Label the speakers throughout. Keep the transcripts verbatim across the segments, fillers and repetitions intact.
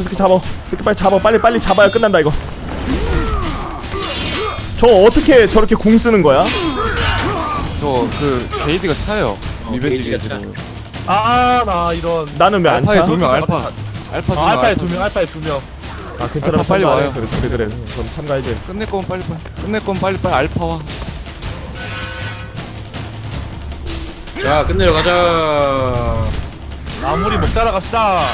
Speaker 1: 저 새끼 잡아. 새끼 빨리 잡아. 빨리 빨리 잡아야 끝난다 이거. 저 어떻게 저렇게 궁 쓰는 거야?
Speaker 2: 저 그 게이지가 차요.
Speaker 3: 어,
Speaker 2: 리벤지
Speaker 3: 게이지가
Speaker 2: 게이지로.
Speaker 4: 아, 나 이런.
Speaker 1: 나는 왜 안
Speaker 2: 알파에
Speaker 1: 차?
Speaker 2: 두 명, 알파. 알파 두
Speaker 4: 아,
Speaker 2: 명.
Speaker 4: 알파에 두 명, 알파에 두 명.
Speaker 1: 아 괜찮아.
Speaker 2: 알파 빨리
Speaker 1: 참가해.
Speaker 2: 와요.
Speaker 1: 그래 그래 그래. 그럼 참가해줘.
Speaker 2: 끝낼 거면 빨리 빨리. 끝낼 거면 빨리 빨리 알파 와.
Speaker 3: 자 끝내러 가자.
Speaker 4: 마무리 목 따라갑시다.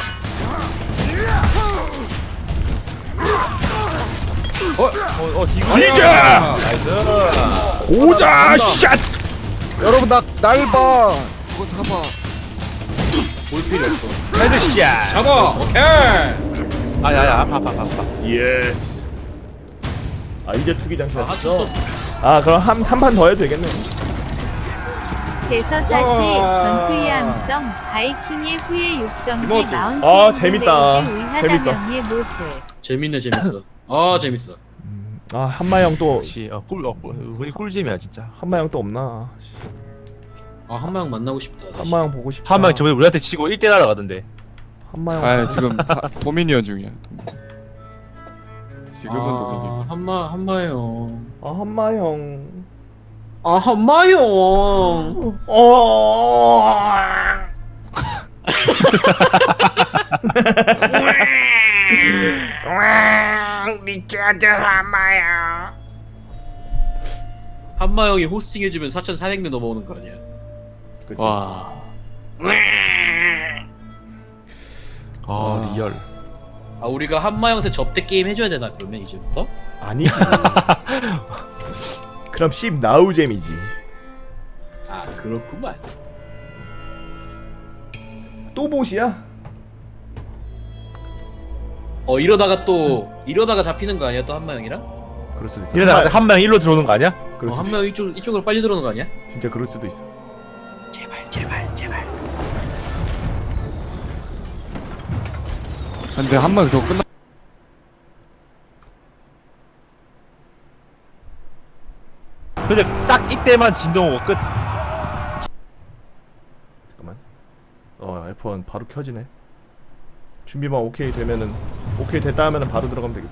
Speaker 4: 어, 어, 어, 지금.
Speaker 1: 지자!
Speaker 4: 나이스.
Speaker 1: 고자 샷.
Speaker 2: 여러분 나 날 봐. 그거 잡아.
Speaker 3: 볼 필요 없어.
Speaker 4: 헤드샷.
Speaker 3: 잡아. 오케이.
Speaker 4: 아, 야, 야, 아파, 아파, 아파.
Speaker 1: 예스. 아 이제 투기장
Speaker 3: 아,
Speaker 1: 시작했어.
Speaker 3: 핫소스.
Speaker 1: 아 그럼 한 한 판 더 해도 되겠네.
Speaker 5: 대서사시 전투의 함성 바이킹의 후예 육성기
Speaker 4: 이모트.
Speaker 5: 마운틴
Speaker 1: 아, 재밌다. 재밌어.
Speaker 5: 의하다명의 모태
Speaker 3: 재밌네 재밌어. 아 재밌어.
Speaker 1: 아 한마영 또
Speaker 4: 역시, 어, 꿀, 어, 꿀, 우리 꿀잼이야, 진짜.
Speaker 1: 한마영 또 없나?
Speaker 3: 아 한마영 만나고 싶다. 다시.
Speaker 1: 한마영 보고 싶다.
Speaker 4: 한 명 저번에 우리한테 치고 일 대 날아가던데.
Speaker 1: 한마영.
Speaker 2: 아 지금 사, 도미니언 중이야. 지금은
Speaker 3: 아,
Speaker 2: 도미니언.
Speaker 3: 한마 한마영.
Speaker 1: 아 한마영.
Speaker 3: 아 한마영.
Speaker 1: 어.
Speaker 3: 한마영이 호스팅 해주면 사천사백 명 넘어오는 거 아니야?
Speaker 1: 그치.
Speaker 2: 와.
Speaker 4: 아, 리얼.
Speaker 3: 아 우리가 한마영한테 접대 게임 해줘야 되나 그러면 이제부터?
Speaker 1: 아니지. 그럼 씹 나우잼이지.
Speaker 3: 아 그렇구만.
Speaker 1: 또 보시야?
Speaker 3: 어 이러다가 또 이러다가 잡히는 거 아니야 또 한마영이랑?
Speaker 1: 그럴 수도 있어.
Speaker 4: 이러다가 한 명 일로 들어오는 거 아니야?
Speaker 1: 그럴
Speaker 3: 어,
Speaker 1: 수도
Speaker 3: 한마영
Speaker 1: 있어.
Speaker 3: 이쪽 이쪽으로 빨리 들어오는 거 아니야?
Speaker 1: 진짜 그럴 수도 있어.
Speaker 3: 제발 제발 제발.
Speaker 2: 근데 한 명 저거 끝나.
Speaker 4: 근데 딱 이때만 진동 오고 끝.
Speaker 1: 잠깐만. 어 에프 원 바로 켜지네. 준비만 오케이 되면은 오케이 됐다 하면은 바로 들어가면 되겠다.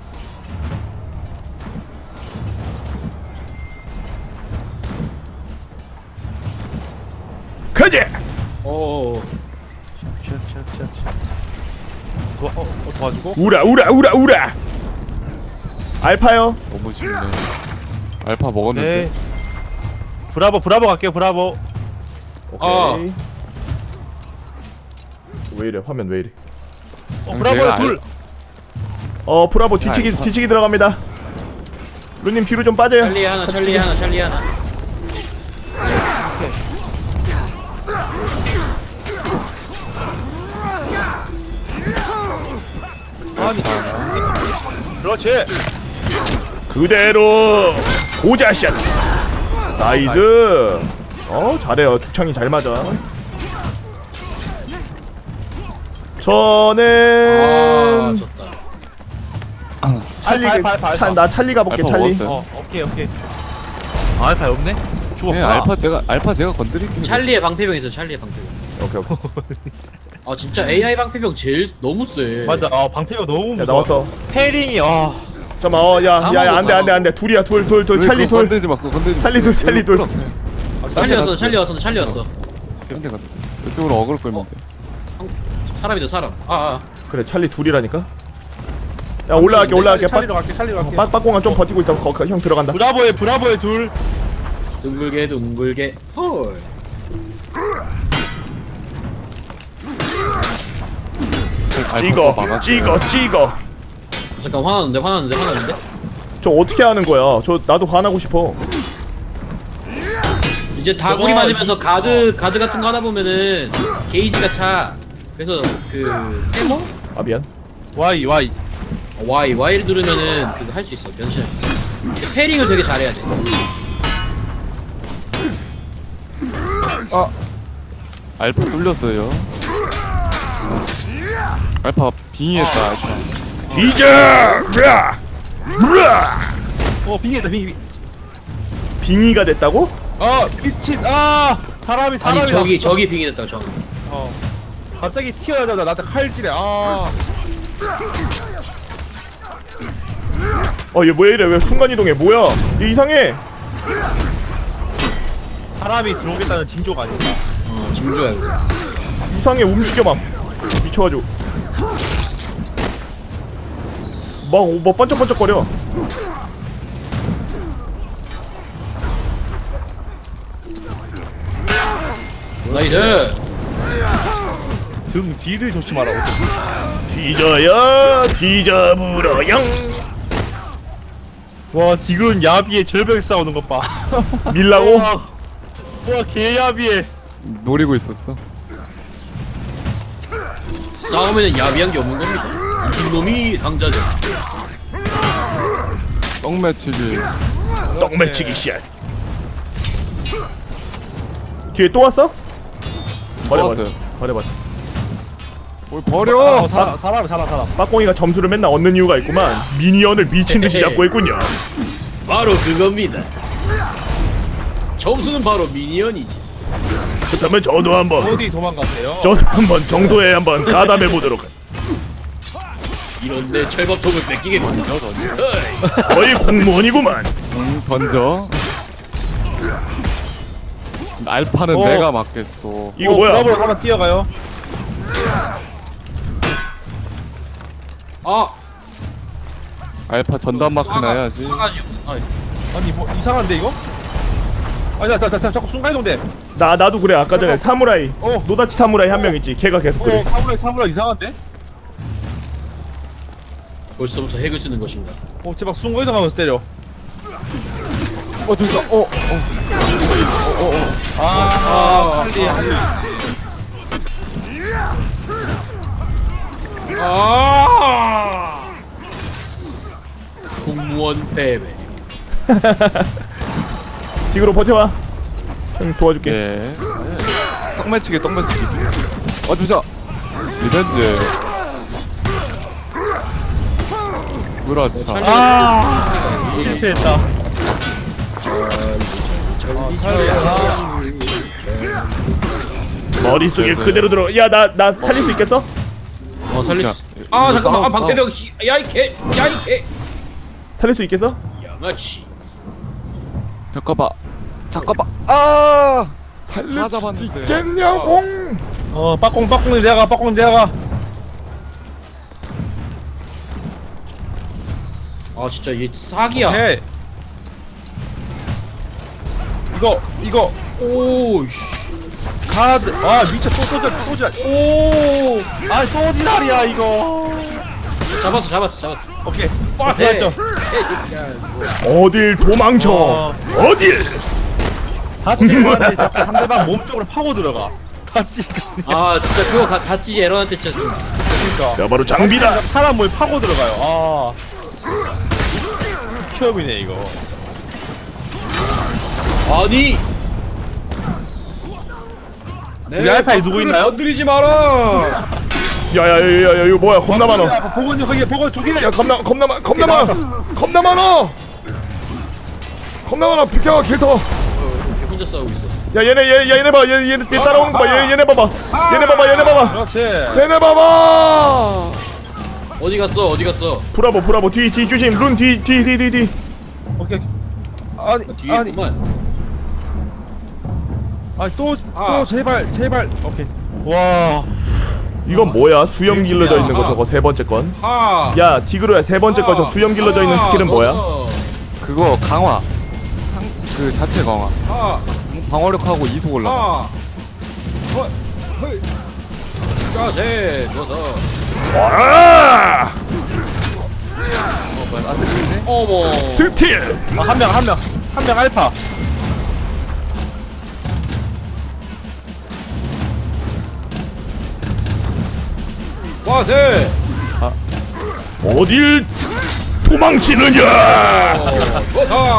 Speaker 1: 가지.
Speaker 3: 어.
Speaker 4: 도와, 어, 어, 도와주고.
Speaker 1: 우라 우라 우라 우라. 알파요.
Speaker 2: 너무 쉽네. 알파 먹었는데.
Speaker 4: 네. 브라보, 브라보 갈게요, 브라보.
Speaker 1: 오케이.
Speaker 3: 어.
Speaker 1: 왜 이래 화면 왜 이래?
Speaker 4: 어,
Speaker 2: 형,
Speaker 4: 브라보에
Speaker 2: 제가
Speaker 4: 둘.
Speaker 1: 어 브라보 뒤치기
Speaker 2: 알파.
Speaker 1: 뒤치기 들어갑니다. 루님 뒤로 좀 빠져요.
Speaker 3: 찰리 하나
Speaker 1: 같이
Speaker 3: 찰리
Speaker 1: 치기.
Speaker 3: 하나 찰리 하나.
Speaker 4: 아니. 그렇지.
Speaker 1: 그대로 고자샷. 나이스. 어 잘해요. 죽창이 잘 맞아.
Speaker 3: 아
Speaker 1: 저는
Speaker 3: 졌다.
Speaker 1: 찰리
Speaker 4: 알파, 알파, 알파,
Speaker 1: 차,
Speaker 4: 알파.
Speaker 1: 나 찰리 가볼게.
Speaker 2: 알파
Speaker 1: 찰리.
Speaker 2: 먹었어요.
Speaker 4: 어, 오케이, 오케이. 아, 알파 없네?
Speaker 2: 네,
Speaker 4: 죽었구나.
Speaker 2: 알파 제가 알파 제가 건드릴게요.
Speaker 3: 찰리의 방패병 있어 찰리의 방패병.
Speaker 1: 오케이 오케이.
Speaker 3: 아 진짜 에이아이 방패병 제일 너무 세.
Speaker 4: 맞아, 아, 방패가 너무
Speaker 1: 야
Speaker 4: 무서워.
Speaker 1: 나왔어.
Speaker 4: 페링이, 아.
Speaker 1: 잠깐만. 어야야야 안돼 안돼 안돼. 둘이야 둘 둘 둘.
Speaker 2: 왜
Speaker 1: 찰리
Speaker 2: 그거
Speaker 1: 둘.
Speaker 2: 건들지 마. 그거 건들지 마.
Speaker 1: 찰리 둘, 찰리 둘.
Speaker 3: 찰리 왔어 찰리 왔어 찰리 왔어.
Speaker 2: 딴데 가자. 이쪽으로 어그로 끌면 돼.
Speaker 3: 사람이다 사람. 아, 아.
Speaker 1: 그래 찰리 둘이라니까. 야 올라갈게 올라갈게.
Speaker 4: 찰리로 갈게, 찰리로 갈게.
Speaker 1: 빡빡공간 좀 버티고 있어. 거, 거, 형 들어간다.
Speaker 4: 브라보에, 브라보에 둘.
Speaker 3: 둥글게 둥글게. 헐.
Speaker 1: 찍어
Speaker 2: 막았어요.
Speaker 1: 찍어 찍어.
Speaker 3: 잠깐 화나는데 화나는데 화나는데.
Speaker 1: 저 어떻게 하는 거야? 저 나도 화나고 싶어.
Speaker 3: 이제 다구리
Speaker 4: 저거
Speaker 3: 맞으면서 가드 가드 같은 거 하다 보면은 게이지가 차. 그래서 그 세모
Speaker 1: 아 미안.
Speaker 4: 와이, 와이.
Speaker 3: Y Y를 누르면은 그거 할 수 있어 변신. 페링을 되게 잘해야 돼.
Speaker 2: 알파 뚫렸어요. 알파 빙의했다. 알파.
Speaker 1: 뒤져. 으아! 으아!
Speaker 4: 어, 빙의다, 빙의.
Speaker 1: 빙의가 됐다고?
Speaker 4: 아, 미친, 아! 사람이, 사람이.
Speaker 3: 아니 저기
Speaker 4: 났어.
Speaker 3: 저기 빙이 됐다고 저기.
Speaker 4: 어. 갑자기 튀어나오자 나한테 칼질해. 아.
Speaker 1: 어얘 왜 이래 왜 순간이동해 뭐야 얘 이상해.
Speaker 4: 사람이 들어오겠다는 징조가 아닌가.
Speaker 3: 어 징조야 이거.
Speaker 1: 이상해 움직여봐 미쳐가지고 막, 막 반짝반짝거려.
Speaker 3: 나이스.
Speaker 4: 등 뒤를 조심하라고.
Speaker 1: 뒤져야 뒤져불어영.
Speaker 4: 와 디그는 야비에 절벽에 싸우는 것 봐.
Speaker 1: 밀라고?
Speaker 4: 와, 와 개야비에.
Speaker 2: 노리고 있었어.
Speaker 3: 싸우면 야비한 게 없는 겁니다. 이놈이 당자죠.
Speaker 2: 떡매치기.
Speaker 1: 떡매치기 샷. 뒤에 또 왔어? 버려 버려
Speaker 2: 왔어요.
Speaker 1: 버려 버려.
Speaker 2: 뭘 버려.
Speaker 4: 어, 사람 사람 사람 사람.
Speaker 1: 빠꽁이가 점수를 맨날 얻는 이유가 있구만. 미니언을 미친듯이 잡고 있군요.
Speaker 3: 바로 그겁니다. 점수는 바로 미니언이지.
Speaker 1: 그렇다면 저도 한번
Speaker 4: 어디 도망가세요?
Speaker 1: 저도 한번 정소에 한번 가담해 보도록.
Speaker 3: 이런데 철밥통을 뺏기겠군요. 어이.
Speaker 1: 거의 공무원이구만.
Speaker 2: 응, 던져. 알파는
Speaker 4: 어.
Speaker 2: 내가 맞겠어.
Speaker 1: 이거 뭐야?
Speaker 4: 클럽으로 한번 뛰어가요.
Speaker 3: 아
Speaker 2: 알파 전담 마크
Speaker 3: 싸가-
Speaker 2: 나야지.
Speaker 3: 싸가지 없- 아,
Speaker 4: 아니 뭐 이상한데 이거? 아니 나, 나, 나, 나 자꾸 순간이동돼.
Speaker 1: 나 나도 그래. 아까 전에 사무라이
Speaker 4: 어.
Speaker 1: 노다치 사무라이 한 명 있지. 걔가 계속
Speaker 4: 어
Speaker 1: 그래.
Speaker 4: 사무라이 사무라이 이상한데?
Speaker 3: 벌써부터 핵을 쓰는 것인가?
Speaker 4: 어 제발 순간이동하면서 때려.
Speaker 2: 어 잠깐. 어. 어.
Speaker 4: 아 할리 할리.
Speaker 3: 아 공무원 패배.
Speaker 1: 지그로 버텨봐. 형 도와줄게.
Speaker 2: 예. 떡매치기 떡매치기. 어 잠시만. 리벤지. 그렇죠.
Speaker 4: 아 실패했다.
Speaker 1: 머릿속에
Speaker 2: 그래서-
Speaker 1: 그대로 들어. 야 나 나 살릴 수 있겠어?
Speaker 3: 어 살릴
Speaker 2: 자,
Speaker 3: 수. 아
Speaker 2: 이거
Speaker 3: 잠깐만. 아
Speaker 2: 싸움,
Speaker 3: 박대령 씨. 야이 개. 야이 개.
Speaker 1: 살릴 수 있겠어?
Speaker 3: 양아치.
Speaker 2: 잠깐만. 잠깐만. 아.
Speaker 1: 살릴
Speaker 2: 다
Speaker 1: 수
Speaker 2: 잡았는데.
Speaker 1: 있겠냐고.
Speaker 4: 어 빠꽁 빠꽁이 내가 빠꽁이 내가.
Speaker 3: 아 진짜 얘 사기야.
Speaker 4: 해. 이거 이거
Speaker 3: 오. 씨.
Speaker 4: 카드. 아 미쳐 또 쏘자 쏘자.
Speaker 3: 오.
Speaker 4: 아 쏘지랄이야 이거.
Speaker 3: 잡았어 잡았어 잡았어.
Speaker 4: 오케이.
Speaker 3: 빠
Speaker 4: 됐죠.
Speaker 1: 어딜 도망쳐?
Speaker 4: 어.
Speaker 1: 어딜?
Speaker 4: 다찌가는데 자꾸 상대방 몸 쪽으로 파고 들어가. 다찌가.
Speaker 3: 아 진짜 그거 가, 다찌 에런한테 진짜 좀.
Speaker 4: 그러니까.
Speaker 1: 야 바로 장비다.
Speaker 4: 사람 몸에 파고 들어가요. 아. 취업이네 이거.
Speaker 3: 아니.
Speaker 4: 우리 알파에 누구 있나요?
Speaker 3: 건드리지 마라.
Speaker 1: 야야야야 이거 뭐야? 겁나 많어.
Speaker 4: 야, 보건이 거기 보건 두 개.
Speaker 1: 야 겁나 겁나 많 겁나 많아. 겁나 많아. 겁나 많아. 비켜 길터.
Speaker 3: 혼자 싸우고 있어.
Speaker 1: 야 얘네 얘 얘네 봐. 얘 얘네 얘 따라오는 거 봐. 얘 얘네 봐봐. 얘네 봐봐. 얘네 봐봐.
Speaker 4: 그렇지.
Speaker 1: 얘네 봐봐.
Speaker 3: 어디 갔어? 어디 갔어?
Speaker 1: 브라보 브라보 뒤 뒤 조심. 룬 뒤 뒤 뒤 뒤 뒤.
Speaker 4: 오케이. 아니
Speaker 3: 아, 뒤에
Speaker 4: 아니
Speaker 3: 있구만.
Speaker 4: 아니 또또
Speaker 3: 아.
Speaker 4: 제발 제발. 오케이. 와.
Speaker 1: 이건 뭐야? 수염 길러져 있는 거 저거 세 번째 건.
Speaker 3: 하.
Speaker 1: 야 디그로야 세 번째 거 저 수염 길러져 있는 스킬은 뭐야?
Speaker 2: 그거 강화. 상, 그 자체 강화.
Speaker 3: 하.
Speaker 2: 방어력하고 이속 올라가.
Speaker 3: 하. 헐. 헐. 자세. 좋아서.
Speaker 1: 와!
Speaker 2: 어, 뭐야, 안 되는데?
Speaker 3: 어머.
Speaker 1: 스틸.
Speaker 4: 아, 한 명 한 명 한 명 알파.
Speaker 3: 자세.
Speaker 1: 어딜 도망치느냐?
Speaker 3: 좋다.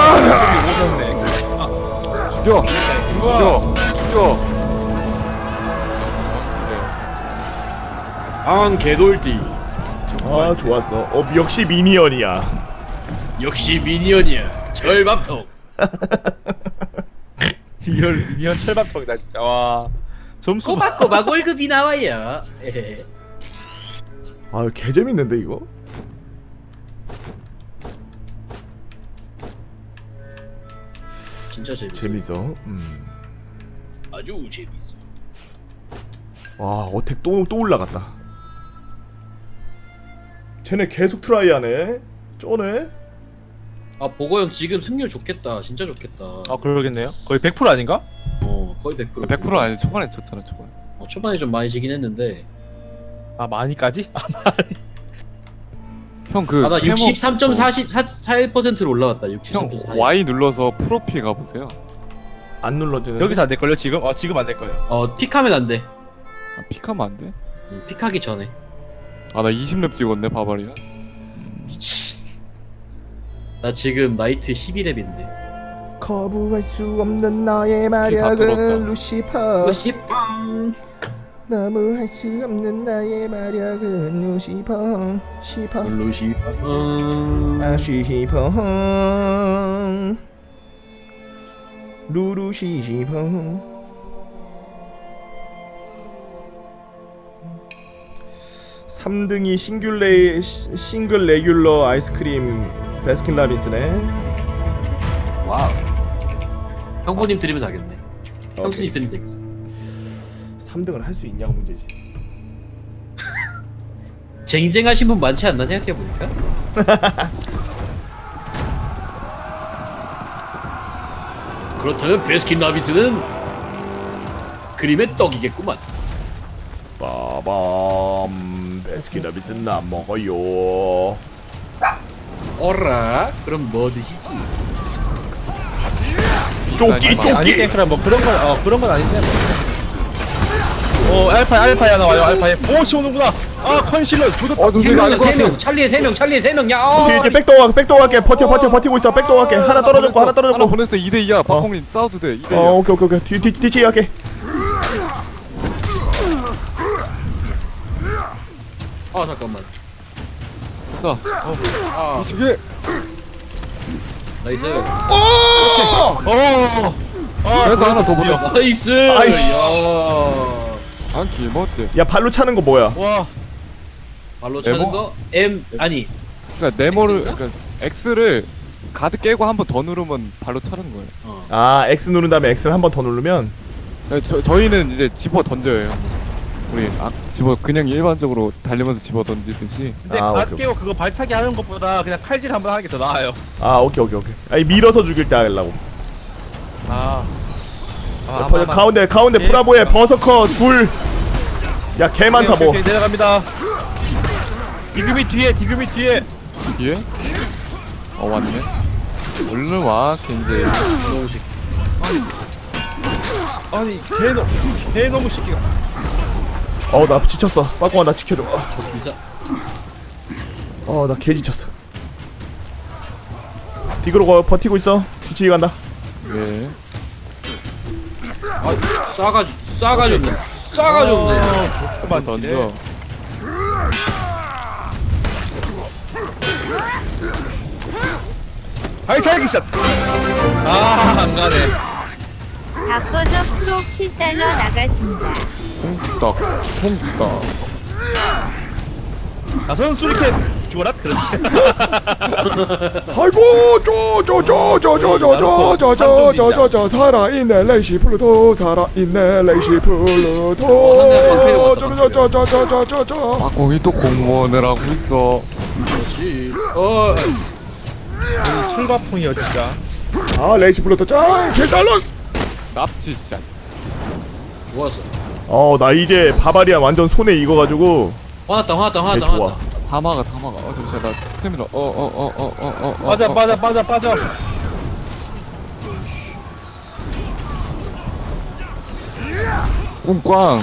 Speaker 2: 죽여! 죽여! 죽여!
Speaker 3: 안 개돌띠.
Speaker 1: 아 좋았어. 어 역시 미니언이야.
Speaker 3: 역시 미니언이야. 절밥통.
Speaker 4: 리얼 리얼 철밥통이다 진짜. 와. 점수
Speaker 3: 꼬박꼬박 월급이 나와요. 에헤.
Speaker 1: 아 개 재밌는데 이거?
Speaker 3: 진짜 재밌어.
Speaker 1: 재밌어. 음.
Speaker 3: 아주 재밌어.
Speaker 1: 와 어택 또 또 올라갔다. 쟤네 계속 트라이하네. 쩌네.
Speaker 3: 아 보거 형 지금 승률 좋겠다. 진짜 좋겠다.
Speaker 4: 아 그러겠네요. 거의 백 퍼센트 아닌가?
Speaker 3: 어 거의 백 퍼센트.
Speaker 6: 백 퍼센트 아니 초반에 졌잖아 초반에.
Speaker 3: 어, 초반에 좀 많이 지긴 했는데.
Speaker 4: 아 많이까지? 아,
Speaker 6: 형그
Speaker 3: 아나 육십삼 점 사일 퍼센트로 올라왔다.
Speaker 6: 형
Speaker 3: 육십삼 점 사일.
Speaker 6: Y 눌러서 프로필 가보세요.
Speaker 1: 안 눌러지네.
Speaker 4: 여기서 안 될걸요 지금? 어 지금 안 될거예요.
Speaker 3: 어 픽하면 안 돼.
Speaker 6: 아, 픽하면 안 돼?
Speaker 3: 음, 픽하기 전에.
Speaker 6: 아 나 이십 렙 찍었네 바바리아.
Speaker 3: 미치. 나 지금 나이트 십일 렙인데.
Speaker 1: 거부할 수 없는 너의
Speaker 6: 스킬 다 뚫었다.
Speaker 1: 마력은 루시퍼.
Speaker 3: 루시빵.
Speaker 1: 너무할 수 없는 나의 마력은 루시퍼. 시퍼.
Speaker 3: 루시빵.
Speaker 1: 아 시퍼. 루루시시퍼. 삼 등이 싱귤레 싱글 레귤러 아이스크림 베스킨라빈스네.
Speaker 3: 와우. 형부님 드리면 되겠네. 형수님 드리면 되겠어.
Speaker 1: 삼 등을 할 수 있냐고 문제지.
Speaker 3: 쟁쟁하신 분 많지 않나 생각해보니까? 그렇다면 베스킨라빈스는 그림의 떡이겠구만.
Speaker 1: 빠밤 베스킨라빈스는 안 먹어요.
Speaker 3: 어라? 그럼 뭐 드시지?
Speaker 1: 쪼끼
Speaker 4: 아니
Speaker 1: 쪼끼.
Speaker 4: 땡크라 뭐 그런 건 어 그런 건 아닌데. 오 알파 알파야 나와요 알파에. 오 쏘는구나. 아 컨실러 조졌다.
Speaker 2: 어 동생이 아닐 것
Speaker 3: 세
Speaker 2: 같아.
Speaker 3: 명, 찰리의 세 명, 찰리의 세 명. 야, 어,
Speaker 1: 뒤에 뒤에 백도어 갈게 백도어 갈게. 버텨 버텨 버티고 있어. 백도어 갈게. 하나 떨어졌고 하나
Speaker 6: 하나
Speaker 1: 떨어졌고.
Speaker 6: 보냈어 이 대 이야. 박홍민 싸워도 돼. 이 대 이야.
Speaker 1: 어 오케이 오케이 오케이. 뒤 뒤 뒤치 갈게.
Speaker 3: 아 잠깐만.
Speaker 6: 나
Speaker 3: 아,
Speaker 6: 이게
Speaker 3: 나이스.
Speaker 4: 어. 아
Speaker 6: 그래서 하나 더 보냈어.
Speaker 3: 나이스.
Speaker 1: 아이씨.
Speaker 3: 야.
Speaker 6: 안기 뭐 어때?
Speaker 1: 야 발로 차는 거 뭐야?
Speaker 4: 와.
Speaker 3: 발로 차는
Speaker 6: 네모?
Speaker 3: 거 M 아니
Speaker 6: 그러니까 네모를
Speaker 3: X인가?
Speaker 6: 그러니까 X를 가드 깨고 한 번 더 누르면 발로 차는 거예요.
Speaker 3: 어.
Speaker 1: 아 X 누른 다음에 X를 한 번 더 누르면.
Speaker 6: 네, 저 저희는 이제 집어 던져요. 우리 아 집어 그냥 일반적으로 달리면서 집어 던지듯이.
Speaker 4: 근데
Speaker 1: 아,
Speaker 4: 갓
Speaker 1: 오케이,
Speaker 4: 깨고 그거 발차기 하는 것보다 그냥 칼질 한번 하는 게 더 나아요.
Speaker 1: 아 오케이 오케이 오케이. 아니 밀어서 죽일 때 하려고.
Speaker 4: 아.
Speaker 1: 야, 버- 가운데 가운데
Speaker 4: 예.
Speaker 1: 브라보에 버서커 둘. 야 개 많다
Speaker 4: 오케이,
Speaker 1: 뭐.
Speaker 4: 오케이, 내려갑니다. 디그미 뒤에 디그미 뒤에.
Speaker 6: 뒤에? 어 왔네. 얼른 와 겐제.
Speaker 3: 너무 새끼.
Speaker 4: 아니 개 너무 개 너무 시키가.
Speaker 1: 어 나 지쳤어. 빠꾸아 나 지켜줘.
Speaker 3: 저 비자.
Speaker 1: 어 나 개 지쳤어. 뒤로 거 버티고 있어. 뒤치기 간다.
Speaker 6: 예.
Speaker 3: 아 싸가지 싸가졌네. 싸가졌네.
Speaker 6: 한번 던져.
Speaker 4: 발차기 샷. 아안 가네.
Speaker 5: 바꿔서 프로 킬달러 나가신다.
Speaker 6: 홍떡 홍떡.
Speaker 4: 나선 수리캔 죽어라. 그렇지.
Speaker 1: 아이고 쪼쪼쪼쪼쪼쪼쪼쪼쪼쪼 살아있네 레이시 플루토 살아있네 레이시 플루토 쪼쪼쪼쪼쪼쪼쪼.
Speaker 6: 박공이 또 공무원을 하고 있어.
Speaker 3: 그렇지. 어.
Speaker 4: 출바풍이야 진짜.
Speaker 1: 아 레이시 플루토 짱 개달러.
Speaker 6: 납치샷.
Speaker 3: 좋았어.
Speaker 1: 어나 이제 바바리안 완전 손에 익어가지고
Speaker 3: 화났다 화났다
Speaker 1: 개
Speaker 3: 화났다
Speaker 1: 좋아.
Speaker 3: 화났다.
Speaker 6: 다 막아 다 막아. 어 잠시만 나 스태미나. 어어어어어어어.
Speaker 4: 빠져 빠져 빠져 빠져.
Speaker 6: 꿍꽝.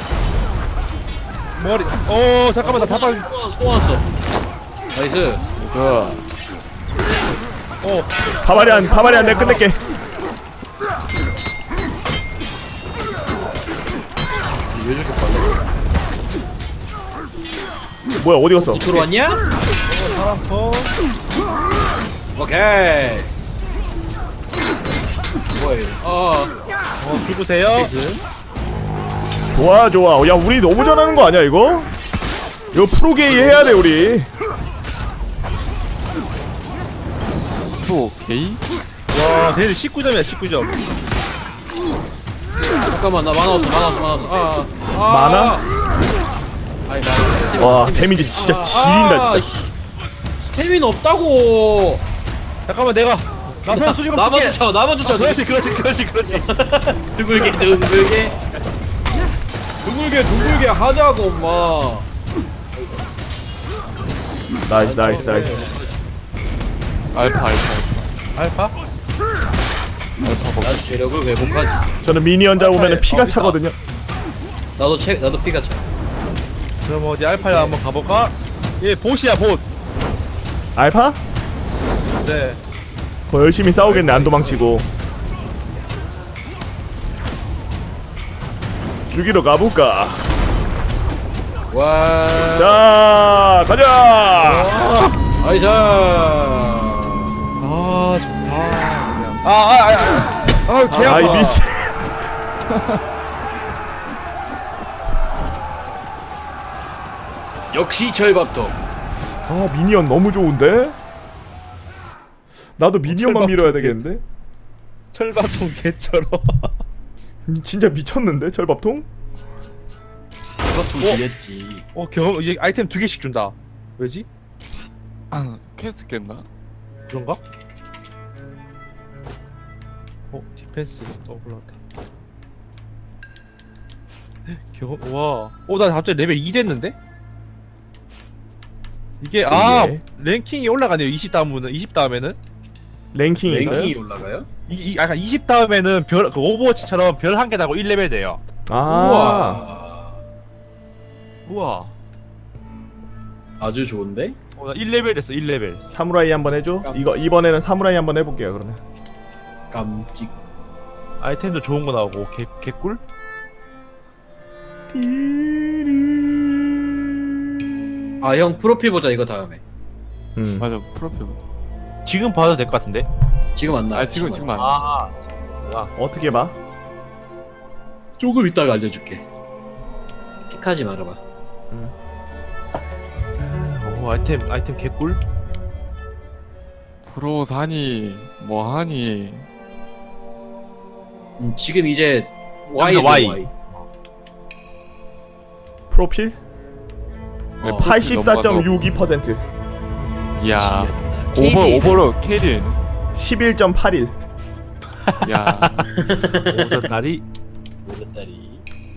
Speaker 4: 머리. 어 잠깐만 나 다발.
Speaker 3: 또, 또 왔어. 나이스.
Speaker 6: 자.
Speaker 4: 어.
Speaker 1: 바바리안 바바리안 내가 끝낼게.
Speaker 3: 왜 저렇게 빨라?
Speaker 1: 뭐야 어디 갔어?
Speaker 3: 들어왔냐?
Speaker 4: 어.
Speaker 3: 오케이. 뭐야 이거? 어.
Speaker 4: 어 죽으세요.
Speaker 3: 나이스.
Speaker 1: 좋아 좋아. 야 우리 너무 잘하는 거 아니야 이거? 이거 프로게이 해야 돼 우리.
Speaker 6: 또 게이?
Speaker 4: 와 쟤네 십구 점이야 십구 점.
Speaker 3: 잠깐만 나 만화 없어 만화 없어 만화 없어. 아, 아.
Speaker 1: 만화?
Speaker 3: 아니 나.
Speaker 1: 와 데미지 진짜 지린다 진짜.
Speaker 3: 스태민 없다고.
Speaker 4: 잠깐만 내가 나선 수직으로
Speaker 3: 나만
Speaker 4: 쓸게.
Speaker 3: 쫓아 나만 쫓아.
Speaker 4: 그렇지 그렇지 그렇지 그렇지.
Speaker 3: 둥글게 둥글게. 둥글게 둥글게 하자고 엄마.
Speaker 1: 나이스 나이스 나이스.
Speaker 6: 알파 알파
Speaker 4: 알파?
Speaker 3: 난 체력을 회복하지.
Speaker 1: 저는 미니언 잡으면 피가 차거든요.
Speaker 3: 나도 체 나도 피가 차.
Speaker 4: 그럼 어디 알파야 한번 가볼까? 얘 보시야 봇.
Speaker 1: 알파?
Speaker 4: 네.
Speaker 1: 거 열심히 싸우겠네 안 도망치고. 죽이러 가볼까?
Speaker 3: 와.
Speaker 1: 자 가자.
Speaker 3: 아이샤.
Speaker 4: 아 좋다. 아아아아 아, 개 아파.
Speaker 1: 아이 미치.
Speaker 3: 역시 절밥통.
Speaker 1: 아 미니언 너무 좋은데? 나도 미니언만
Speaker 4: 철밥통
Speaker 1: 밀어야
Speaker 4: 개-
Speaker 1: 되겠는데?
Speaker 4: 철밥통 개처럼.
Speaker 1: 음, 진짜 미쳤는데 철밥통?
Speaker 3: 절밥통 이랬지.
Speaker 4: 어 경험 이제 아이템 두 개씩 준다. 왜지?
Speaker 6: 퀘스트 깼나?
Speaker 4: 그런가? 어 디펜스 또 올라왔다. 경험 와. 어나 갑자기 레벨 이 됐는데? 이게 아
Speaker 1: 이게?
Speaker 4: 랭킹이 올라가네요. 이십 다음은 이십 다음에는
Speaker 1: 랭킹이 있어요?
Speaker 3: 랭킹이 올라가요?
Speaker 4: 이, 이 약간 이십 다음에는 별 그 오버워치처럼 별 한 개 나고 일 레벨 돼요.
Speaker 1: 아
Speaker 3: 우와.
Speaker 4: 우와.
Speaker 3: 아주 좋은데?
Speaker 4: 어, 나 일 레벨 됐어. 일 레벨.
Speaker 1: 사무라이 한번 해줘? 이거 이번에는 사무라이 한번 해볼게요 그러면.
Speaker 3: 깜찍.
Speaker 4: 아이템도 좋은 거 나오고 개 개꿀?
Speaker 3: 아 형 프로필 보자 이거 다음에.
Speaker 1: 음.
Speaker 6: 맞아 프로필 보자.
Speaker 4: 지금 봐도 될 것 같은데.
Speaker 3: 지금 안 나.
Speaker 6: 아 지금 지금 안 돼.
Speaker 4: 아.
Speaker 1: 어떻게 봐?
Speaker 3: 조금 이따가 알려줄게. 픽하지 말아봐.
Speaker 4: 오 아이템 아이템 개꿀?
Speaker 6: 프로 사니 뭐 하니.
Speaker 3: 음, 지금 이제 Y
Speaker 4: 여기서 Y.
Speaker 3: Y.
Speaker 1: 프로필?
Speaker 6: 네,
Speaker 3: 어.
Speaker 1: 팔십사 점 육이 퍼센트.
Speaker 6: 이야
Speaker 3: 케이디.
Speaker 6: 오버 오버로 캐리네.
Speaker 1: 십일 점 팔일.
Speaker 6: 야
Speaker 4: 오선다리.
Speaker 3: 오셨다리.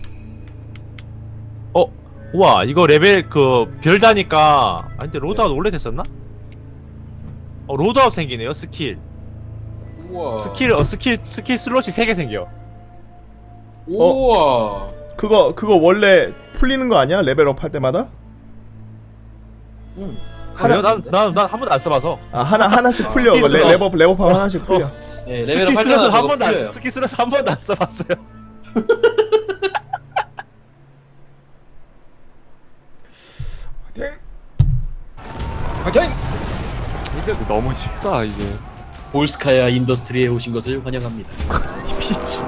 Speaker 4: 어 우와 이거 레벨 그 별 다니까 아 근데 로드아웃 원래 됐었나? 어 로드아웃 생기네요 스킬.
Speaker 3: 우와.
Speaker 4: 스킬 어 스킬 스킬 슬롯이 세 개 생겨.
Speaker 3: 우와.
Speaker 1: 그거 그거 원래 풀리는 거 아니야? 레벨업 할 때마다?
Speaker 3: 응.
Speaker 4: 하나 난난난 한 번도 안 써봐서.
Speaker 1: 아 하나 하나씩 풀려.
Speaker 4: 스킬
Speaker 1: 레,
Speaker 4: 슬롯.
Speaker 1: 레벨업 레벨업하면 하나씩 풀려.
Speaker 3: 네,
Speaker 4: 스킬
Speaker 3: 레벨업 할
Speaker 4: 슬롯을
Speaker 3: 때마다
Speaker 4: 한
Speaker 3: 저거
Speaker 4: 번도 안
Speaker 3: 풀려요.
Speaker 4: 스킬 슬롯 한 번도 안 써봤어요.
Speaker 6: 너무 쉽다 이제.
Speaker 3: 볼스카야 인더스트리에 오신 것을 환영합니다.
Speaker 1: 미친.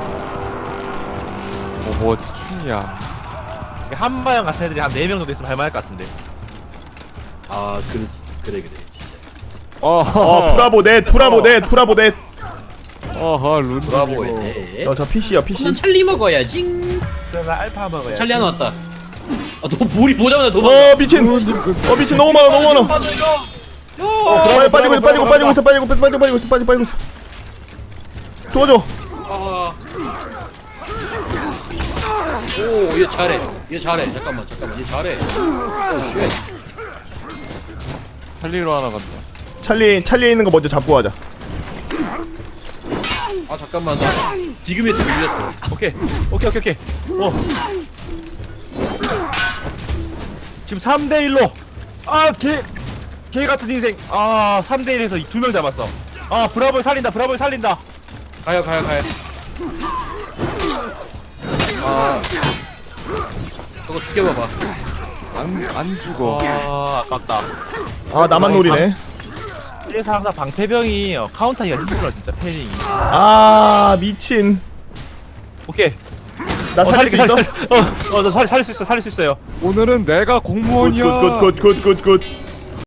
Speaker 6: 오버워치 춘이야.
Speaker 4: 한마영 같은 애들이 한 네 명 정도 있으면 할만할 것 같은데.
Speaker 3: 아, 그래 그래 그래. 진짜.
Speaker 1: 어 브라보 넷 브라보 넷 브라보 넷.
Speaker 6: 어허 룬.
Speaker 3: 브라보에.
Speaker 1: 어저 피씨야 피씨.
Speaker 3: 난 찰리 먹어야지.
Speaker 4: 그래 나 알파 먹어야.
Speaker 3: 찰리 하나 왔다. 아, 너 볼이 보자마자 도망가.
Speaker 1: 어 미친. 어 미친 너무 많아 너무 많아.
Speaker 3: 빠져 이거.
Speaker 1: 어, 빠지고 빠지고 있어 빠지고 빠지고 있어 빠지고 빠지고 빠지고 있어 빠지고 빠지고 있어. 도와줘.
Speaker 3: 아. 오, 얘 잘해. 얘 잘해. 잠깐만, 잠깐만. 얘 잘해. 오, 쉣.
Speaker 6: 살리러 하나 간다.
Speaker 1: 찰리 찰리에 있는 거 먼저 잡고 가자.
Speaker 3: 아, 잠깐만. 나 디그메트 밀렸어.
Speaker 4: 오케이 오케이 오케이 오케이. 어. 지금 삼 대 일로. 아개 개 같은 인생. 아 삼 대 일에서 두 명 잡았어. 아 브라보를 살린다 브라보를 살린다.
Speaker 3: 가요, 가요, 가요. 아. 저거 죽여봐봐.
Speaker 6: 안 안 죽어.
Speaker 4: 아 아깝다.
Speaker 1: 아 나만 노리네.
Speaker 4: 그래서 항상 방패병이 어, 카운터하기가 힘들어 진짜 패링이.
Speaker 1: 아 미친.
Speaker 4: 오케이.
Speaker 1: 나 살릴 수 있어?
Speaker 4: 어어나 살릴 수 있어 살릴 수 있어요.
Speaker 6: 오늘은 내가 공무원이야.
Speaker 1: 굿굿굿굿굿.